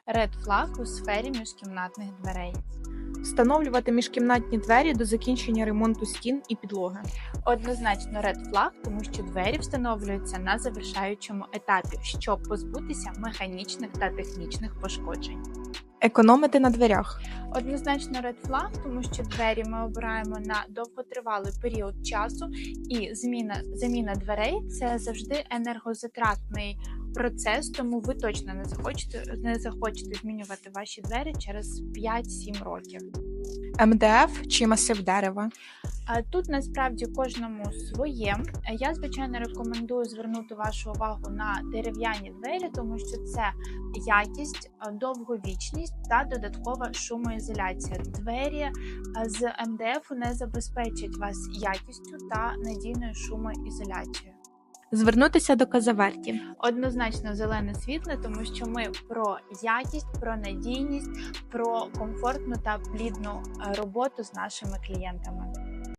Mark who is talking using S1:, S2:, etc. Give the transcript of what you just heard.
S1: Red Flag у сфері міжкімнатних дверей.
S2: Встановлювати міжкімнатні двері до закінчення ремонту стін і підлоги.
S1: Однозначно Red Flag, тому що двері встановлюються на завершаючому етапі, щоб позбутися механічних та технічних пошкоджень.
S2: Економити на дверях.
S1: Однозначно Red Flag, тому що двері ми обираємо на довготривалий період часу, і заміна дверей – це завжди енергозатратний процес, тому ви точно не захочете змінювати ваші двері через 5-7 років.
S2: МДФ чи масив дерева.
S1: Тут насправді кожному своє. Я, звичайно, рекомендую звернути вашу увагу на дерев'яні двері, тому що це якість, довговічність та додаткова шумоізоляція. Двері з МДФ не забезпечать вас якістю та надійною шумоізоляцією.
S2: Звернутися до Казаверті.
S1: Однозначно зелене світло, тому що ми про якість, про надійність, про комфортну та плідну роботу з нашими клієнтами.